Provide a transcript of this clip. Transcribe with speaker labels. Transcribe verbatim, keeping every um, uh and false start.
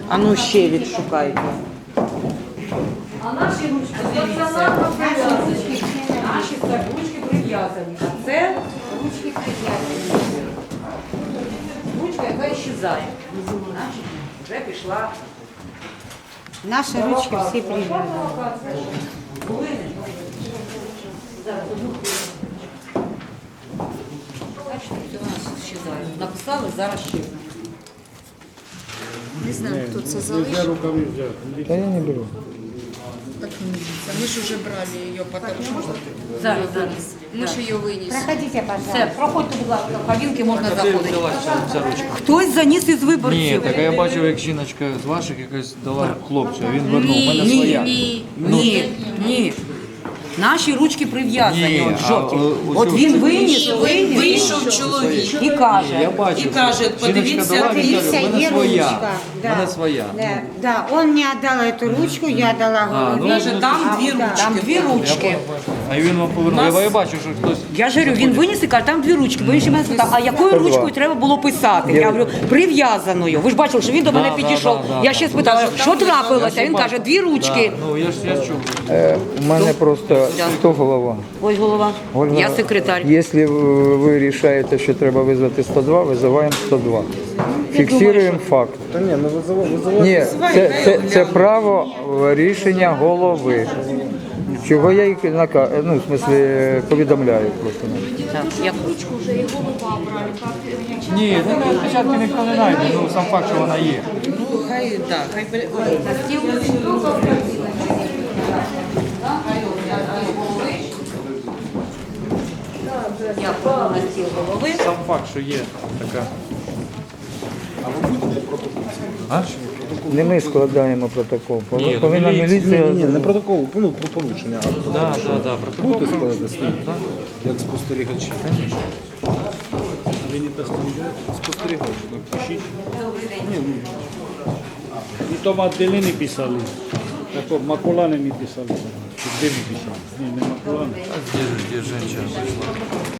Speaker 1: А ну ще відшукайте.
Speaker 2: А наші ручки стаціонарно прив'язані. Наші це ручки прив'язані. А це ручки прив'язані. Ручка, яка щезає. Значить, вже пішла.
Speaker 3: Наши ручки все привязаны.
Speaker 2: Бачите, все у нас щезає. Написали, зараз ще.
Speaker 4: Не знаю, хто це
Speaker 5: Нельзя
Speaker 4: залишив.
Speaker 5: рукави взяти.
Speaker 6: Та я не беру.
Speaker 4: Так не видится. Мы же уже брали ее, потому что
Speaker 2: Зараз, зараз.
Speaker 4: мы же ее вынесли.
Speaker 3: Проходите, пожалуйста.
Speaker 2: Все, проходьте, будь ласка, в кабінки можна заходити.
Speaker 1: взялася ця ручка?
Speaker 2: Хтось заніс із виборців.
Speaker 1: Ні, так а я бачив, як жіночка з ваших якось дала хлопцю, а він вернув. У мене
Speaker 2: Ні,
Speaker 1: своя.
Speaker 2: ні, ні, ні. Наші ручки прив'язані,
Speaker 1: Ні,
Speaker 2: от
Speaker 1: а,
Speaker 2: жовті.
Speaker 1: о,
Speaker 2: От
Speaker 1: оцю-
Speaker 2: він виніс, виніс
Speaker 4: Вийшов чоловік.
Speaker 2: і каже,
Speaker 1: Я бачив.
Speaker 2: і каже,
Speaker 1: Жіночка
Speaker 2: подивіться,
Speaker 1: дала, він каже,
Speaker 3: Видите,
Speaker 1: в мене
Speaker 3: и
Speaker 1: своя.
Speaker 3: ручка.
Speaker 1: В мене своя.
Speaker 3: Да, да, он мне отдал эту ручку, я дала
Speaker 1: А, ну,
Speaker 3: голове.
Speaker 2: каже, там дві ручки. Там дві ручки.
Speaker 1: А він вам повернув. Я, я бачу, що хтось.
Speaker 2: Я ж говорю, він виніс і каже, там дві ручки. Бо він ще мене спитав, а якою ручкою треба було писати? Я говорю, прив'язаною. Ви ж бачили, що він до мене
Speaker 1: Да, да,
Speaker 2: підійшов.
Speaker 1: да, да,
Speaker 2: Я ще
Speaker 1: да.
Speaker 2: спитала, що трапилося? Він каже, дві ручки.
Speaker 1: Ну, я ж я чув.
Speaker 6: Е, у мене просто сто голова.
Speaker 2: Ось голова.
Speaker 6: Ольга,
Speaker 2: Я секретар.
Speaker 6: Якщо ви вирішаєте, що треба визвати сто два, визиваємо сто два. Фіксуємо факт.
Speaker 5: Та ні, ну визивай, визивай.
Speaker 6: Ні, це, це, це право рішення голови. Чого я їх нака... ну, в смислі, повідомляю просто.
Speaker 2: Так, я
Speaker 1: Ні, ну, спочатку ніхто не знайде, ну сам факт, що вона є.
Speaker 2: Ну, хай, так, хай бере. На стіл. Я кладу на стіл голови.
Speaker 1: Сам факт, що є така. А?
Speaker 6: Не ми складаємо протокол.
Speaker 1: Ні, ну,
Speaker 6: Повинна
Speaker 1: міліція-
Speaker 6: міліція.
Speaker 5: Ні, не протокол, ну про порушення, а
Speaker 1: Да, да, да, протокол.
Speaker 5: будете складати свій, як спостерігачі. Ви не спостерігач, напишіть.
Speaker 7: I to Maddalene pisali. Tako Makulane mi pisali. Gdje mi pisali? Ne, ne Makulane.
Speaker 1: Де, де жінка вийшла?